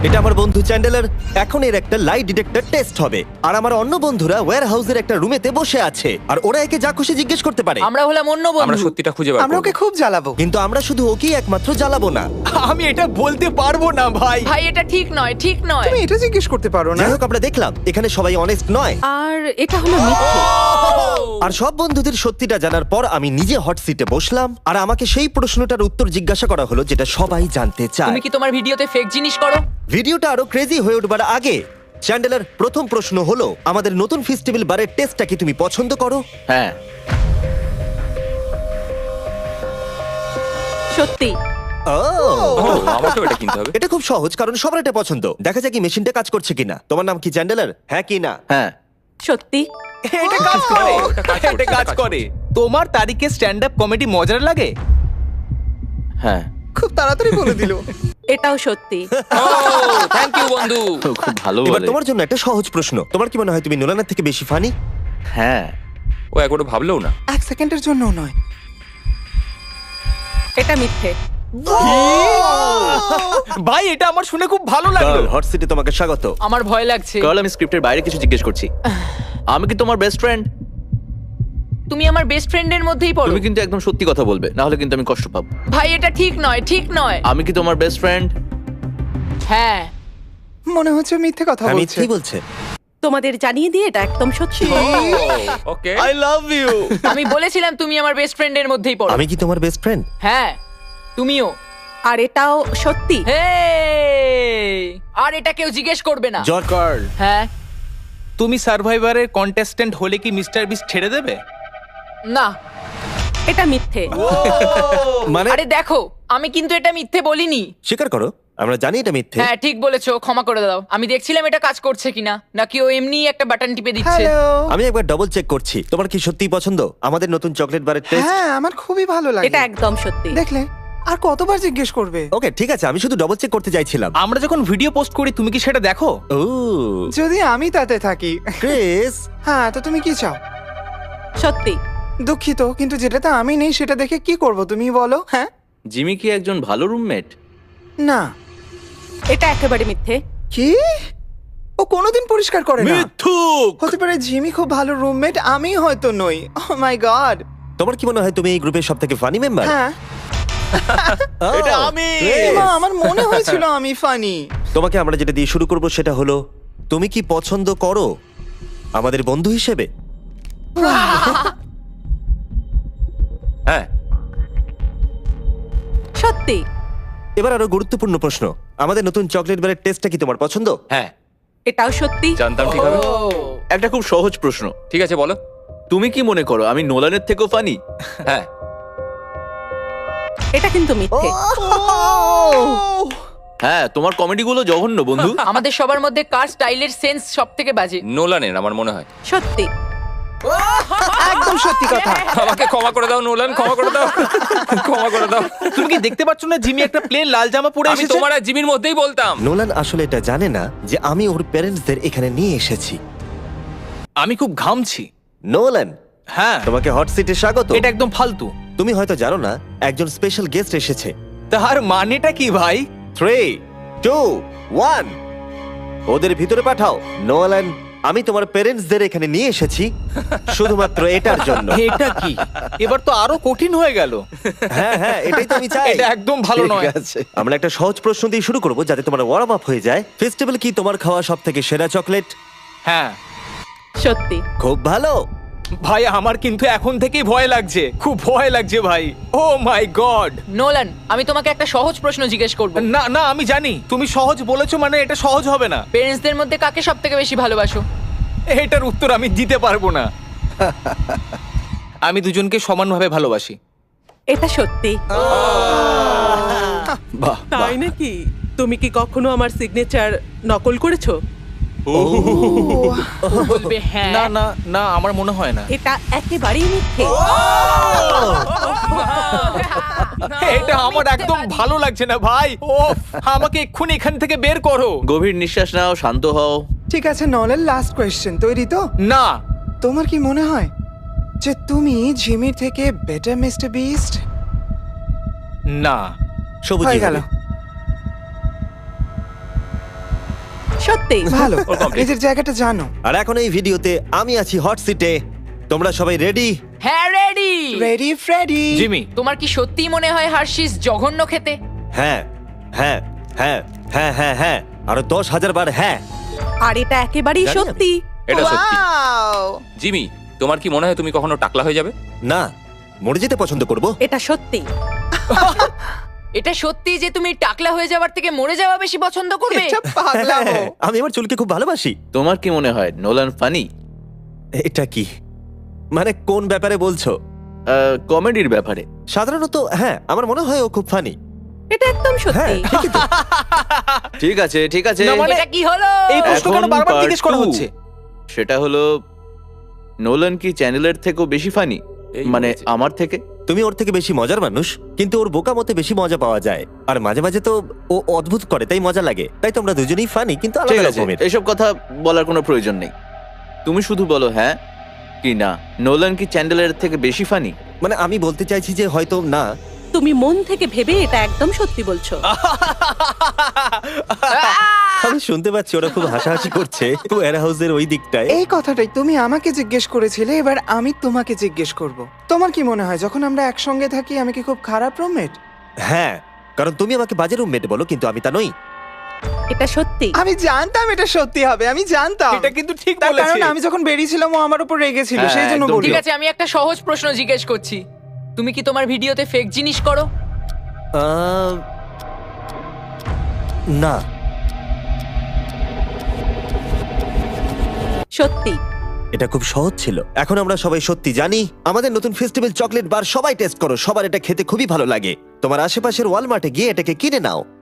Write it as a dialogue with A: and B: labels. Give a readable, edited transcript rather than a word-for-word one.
A: এটা আমার বন্ধু চ্যান্ডেলার। এখন এর একটা লাই ডিটেক্টর টেস্ট হবে, আর আমার অন্য বন্ধুরা ওয়্যার হাউসের একটা রুমেতে বসে আছে, আর ওরা একে যা খুশি জিজ্ঞেস করতে পারে।
B: আমরা হলাম অন্য
C: আমরা
B: বন্ধু।
C: সত্যিটা খুঁজে বার
D: আমরা
C: করব।
D: ওকে খুব জ্বালাবো।
A: কিন্তু আমরা শুধু ওকেই একমাত্র জ্বালাবো না।
E: আমি এটা বলতে পারবো না ভাই।
B: ভাই এটা ঠিক নয়, ঠিক নয়।
D: তুমি এটা জিজ্ঞেস করতে পারো না।
A: যাই হোক, আমরা দেখলাম এখানে সবাই অনেস্ট নয়,
F: আর এটা হলো মিথ্যে।
A: আর সব বন্ধুদের সত্যিটা জানার পর আমি নিজে হট সিটে বসলাম, আর আমাকে সেই প্রশ্নটার উত্তর জিজ্ঞাসা করা হলো যেটা সবাই জানতে চায়।
B: তুমি কি তোমার ভিডিওতে ফেক জিনিস করো?
A: ভিডিওটা আরো ক্রেজি হয়ে উঠবার আগে চ্যান্ডেলার, প্রথম প্রশ্ন হলো আমাদের নতুন ফেস্টিভ্যাল বারের টেস্টটা কি তুমি পছন্দ করো?
E: হ্যাঁ।
F: সত্যি।
A: ও,
C: আমাকেও এটা কিনতে হবে।
A: এটা খুব সহজ, কারণ সবার এটা পছন্দ। দেখা যাক কি মেশিনটা কাজ করছে কিনা। তোমার নাম কি চ্যান্ডেলার? হ্যাঁ কি না?
E: হ্যাঁ,
F: সত্যি।
E: এটা কাজ করে। এটা কাজ করে। তোমার তারিখে স্ট্যান্ড আপ কমেডি মজার লাগে? হ্যাঁ।
D: খুব তাড়াতাড়ি বলে দিল।
F: এটাও সত্যি।
C: থ্যাংক ইউ বন্ধু।
E: খুব ভালো
A: এবার
E: বলে।
A: তোমার জন্য একটা সহজ প্রশ্ন। তোমার কি মনে হয় তুমি নোলানের থেকে বেশি ফানি?
E: হ্যাঁ।
C: ও একবারও ভাবলেও না।
D: এক সেকেন্ডের জন্যও নয়।
F: এটা মিথ্যে।
E: ভাই এটা আমার শুনে খুব ভালো লাগলো।
A: হট সিটে তোমাকে স্বাগত।
B: আমার ভয় লাগছে।
E: কারণ আমি স্ক্রিপ্টের বাইরে কিছু জিজ্ঞেস করছি। আমি কি তোমার বেস্ট ফ্রেন্ড?
B: তুমি আমার বেস্ট ফ্রেন্ডের মধ্যেই পড়ো।
E: তুমি কিন্তু একদম সত্যি কথা বলবে, না হলে কিন্তু আমি কষ্ট পাবো।
B: ভাই এটা ঠিক নয়, ঠিক নয়।
E: আমি কি তোমার বেস্ট ফ্রেন্ড?
B: হ্যাঁ।
D: মনে হচ্ছে মিথ্যে কথা
A: আমি
D: বলছে।
A: কি বলছে?
F: তোমাদের জানিয়ে দিয়ে এটা একদম সত্যি।
C: ওকে।
E: I love you.
B: আমি বলেছিলাম তুমি আমার বেস্ট ফ্রেন্ডের মধ্যেই পড়ো।
A: আমি কি তোমার বেস্ট ফ্রেন্ড?
B: হ্যাঁ, তুমিও।
F: আর এটাও সত্যি।
B: হেই! আর এটা কেউ জিজ্ঞেস করবে না।
A: জর্জ।
E: কার্ল,
B: হ্যাঁ।
E: তুমি সার্ভাইভারের কন্টেস্ট্যান্ট হলে কি মিস্টার বিস্ট ছেড়ে দেবে?
B: না।
F: এটা মিথ্যে।
A: মানে
B: আরে দেখো, আমি কিন্তু এটা মিথ্যে বলিনি।
A: স্বীকার করো, আমরা জানি এটা মিথ্যে।
B: হ্যাঁ ঠিক বলেছো, ক্ষমা করে দাও। আমি দেখছিলাম এটা কাজ করছে কিনা, নাকি ও এমনি একটা বাটন টিপে দিচ্ছে।
D: হ্যালো।
A: আমি একবার ডবল চেক করছি। তোমার কি সত্যিই পছন্দ আমাদের নতুন চকলেট বারের টেস্ট?
D: হ্যাঁ, আমার খুবই ভালো লাগে।
F: এটা একদম সত্যি।
D: দেখলে, আর কতবার জিজ্ঞেস করবে?
A: ওকে ঠিক আছে, আমি শুধু ডবল চেক করতে চাইছিলাম।
E: আমরা যখন ভিডিও পোস্ট করি তুমি কি সেটা দেখো?
A: ও
D: যদি আমি তাতে থাকি।
A: ক্রিস,
D: হ্যাঁ, তো তুমি কি চাও?
F: সত্যি।
D: দুঃখিত, কিন্তু যেটাতে আমি নেই সেটা দেখে কি করব তুমি বলো? হ্যাঁ,
E: জিমি কি একজন ভালো রুমমেট?
D: না।
F: এটা একেবারে মিথ্যে।
D: কি? ও কোনোদিন পরিষ্কার করে না।
E: মিথ্যুক।
D: হতে পারে জিমি খুব ভালো রুমমেট, আমি হয়তো নই। Oh my God.
A: তোমার কি মনে হয় তুমি এই গ্রুপের সবথেকে ফানি মেম্বার?
D: হ্যাঁ,
E: এটা আমি।
D: এমা, আমার মনে হয়েছিল আমি ফানি।
A: তোমাকে আমরা যেটা দিয়ে শুরু করব সেটা হলো, তুমি কি পছন্দ করো আমাদের বন্ধু হিসেবে?
C: হ্যাঁ।
F: সত্যি।
A: এবার আরো গুরুত্বপূর্ণ প্রশ্ন, আমাদের নতুন চকলেট বারের টেস্টটা কি তোমার পছন্দ?
C: হ্যাঁ
F: এটাও সত্যি।
C: জানতাম ঠিক হবে।
E: একটা খুব সহজ প্রশ্ন।
C: ঠিক আছে বলো।
E: তুমি কি মনে করো আমি নোলানের থেকেও ফানি?
C: হ্যাঁ।
F: এটা কিন্তু মিথ্যে।
E: হ্যাঁ, তোমার কমেডিগুলো জঘন্য বন্ধু।
B: আমাদের সবার মধ্যে কার স্টাইলের সেন্স সব থেকে বাজে?
C: নোলানের আমার মনে হয়।
F: সত্যি।
D: একদম সত্যি কথা।
C: আমাকে ক্ষমা করে দাও নোলান, ক্ষমা করে দাও, ক্ষমা করে দাও।
E: তুমি কি দেখতে পাচ্ছ না জিমি একটা প্লেন লাল জামা পরে
C: আমি
E: এসেছে?
C: তোমার আর জিমির মধ্যেই বলতাম।
A: নোলান আসলে এটা জানে না যে আমি ওর প্যারেন্টসদের এখানে নিয়ে এসেছি।
E: আমি খুব ঘামছি।
A: নোলান,
E: হ্যাঁ,
A: তোমাকে হট সিটে স্বাগত।
E: এটা একদম ফালতু।
A: তুমি হয়তো জানো না একজন স্পেশাল গেস্ট এসেছে।
E: তার মানেটা কি ভাই?
A: 3, 2, 1 ওদের ভিতরে পাঠাও। নোলান, আমি তোমার প্যারেন্টসদের এখানে নিয়ে এসেছি শুধুমাত্র এটার জন্য।
E: এটা কি? এবার তো আরো কঠিন হয়ে গেল।
A: হ্যাঁ হ্যাঁ, এটাই তো আমি চাই।
E: এটা একদম ভালো
A: ঠিক
E: নয়।
A: আছে, আমরা একটা সহজ প্রশ্ন দিয়ে শুরু করব যাতে তোমার ওয়ার্ম আপ হয়ে যায়। ফেস্টিভ্যাল কি তোমার খাওয়া সবথেকে সেরা চকলেট?
E: হ্যাঁ
F: সত্যি।
A: খুব ভালো।
E: ভাই, আমার কিন্তু এখন থেকেই ভয় লাগছে, খুব ভয় লাগছে ভাই। ও মাই গড।
B: নোলান, আমি তোমাকে একটা সহজ প্রশ্ন জিজ্ঞেস করব।
E: না না, আমি জানি তুমি সহজ বলেছো মানে এটা সহজ হবে না।
B: পেরেন্টসদের মধ্যে কাকে সব থেকে বেশি ভালোবাসো?
E: এটার উত্তর আমি দিতে পারবো না। আমি দুজনকে সমানভাবে ভালোবাসি।
F: এটা সত্যি।
A: বাহ,
G: তাই নাকি? তুমি কি কখনো আমার সিগনেচার নকল করেছো?
B: বলবে হ্যাঁ।
E: না না না, আমার মনে হয় না।
F: এটা একেবারেই মিথ্যে।
E: এটা আমার একদম ভালো লাগছে না ভাই। ও, আমাকে এক্ষুনি এখান থেকে বের করো। গভীর নিঃশ্বাস নাও, শান্ত হও।
D: ঠিক আছে, নলের লাস্ট কোয়েশ্চেন, তৈরি তো?
E: না।
D: তোমার কি মনে হয় যে তুমি জিমির থেকে বেটার মিস্টার বিস্ট?
E: না।
A: সবুজ
D: হয়ে গেল।
F: সত্যি
D: ভালো
C: ওর complete।
D: নিজের জায়গাটা জানো।
A: আর এখন এই ভিডিওতে আমি আছি হট সিটে। তোমরা সবাই রেডি?
B: হ্যাঁ রেডি।
D: Ready Freddie.
E: জিমি,
B: তোমার কি সত্যিই মনে হয় হার্শিস জঘন্য খেতে?
A: হ্যাঁ হ্যাঁ হ্যাঁ হ্যাঁ হ্যাঁ হ্যাঁ আরো 10,000 বার হ্যাঁ।
F: আর এটা একেবারেই
A: জানি আমি।
F: সত্যি।
C: এটা সত্যি।
D: Wow!
C: জিমি, তোমার কি মনে হয় তুমি কখনো টাকলা হয়ে যাবে?
A: না, মরে যেতে পছন্দ করব।
F: এটা সত্যি।
B: এটা সত্যি যে তুমি টাকলা হয়ে যাওয়ার থেকে মরে যাওয়া বেশি পছন্দ করবে?
D: এটা পাগলামো।
A: আমি আমার চুলকে খুব ভালোবাসি।
E: তোমার কি মনে হয় নোলান ফানি?
A: এটা কি মানে কোন ব্যাপারে বলছো?
E: কমেডির ব্যাপারে।
A: সাধারণত হ্যাঁ, আমার মনে হয় ও খুব ফানি।
F: এটা একদম
A: হ্যাঁ
F: সত্যি।
A: ঠিকই তো।
E: ঠিক আছে ঠিক আছে, না, মানে-
B: এটা কি হলো?
E: এই প্রশ্ন কেন এখন বারবার part জিজ্ঞেস করা 2 হচ্ছে? সেটা হলো নোলান কি চ্যানেলের থেকেও বেশি ফানি?
C: এই
E: মানে
C: হয়েছে।
E: আমার থেকে?
A: তুমি ওর থেকে বেশি মজার মানুষ, কিন্তু ওর বোকা মতে বেশি মজা পাওয়া যায়। আর মাঝে মাঝে তো ও অদ্ভুত করে, তাই মজা লাগে। তাই তোমরা দুজনেই ফানি, কিন্তু
E: ঠিক
A: আলাদা
E: আছে,
A: রকমের।
E: এসব কথা বলার কোনো প্রয়োজন নেই। তুমি শুধু বলো হ্যাঁ কি না, নোলান কি চ্যান্ডেলের থেকে বেশি ফানি?
A: মানে আমি বলতে চাইছি যে হয়তো না।
F: তুমি মন থেকে ভেবে এটা একদম সত্যি বলছো।
A: আমি শুনতে পাচ্ছি ওরা খুব হাসাহাসি করছে ওয়্যার হাউসের ওই দিকটায়।
D: এই কথাটাই তুমি আমাকে জিজ্ঞেস করেছিলে, এবার আমি তোমাকে জিজ্ঞেস করব। তোমার কি মনে হয় যখন আমরা একসঙ্গে থাকি আমি কি খুব খারাপ রুমমেট?
A: হ্যাঁ, কারণ তুমি আমাকে বাজে রুমমেট বলো, কিন্তু আমি তা নই।
F: এটা সত্যি।
D: আমি জানতাম এটা সত্যি হবে, আমি জানতাম।
E: এটা কিন্তু ঠিক
D: তার
E: বলেছে।
D: কারণ আমি যখন বেরিয়েছিলাম ও আমার উপর রেগেছিল,
E: হ্যাঁ,
D: সেই জন্য
E: একদম
D: বললো।
B: ঠিক আছে, আমি একটা সহজ প্রশ্ন জিজ্ঞেস করছি। তুমি কি তোমার ভিডিওতে ফেক জিনিস করো?
A: আহ, না।
F: সত্যি।
A: এটা খুব সহজ ছিল। এখন আমরা সবাই সত্যি জানি। আমাদের নতুন ফেস্টিভ্যাল চকলেট বার সবাই টেস্ট করো, সবার এটা খেতে খুবই ভালো লাগে। তোমার আশেপাশের ওয়ালমার্টে গিয়ে এটাকে কিনে নাও।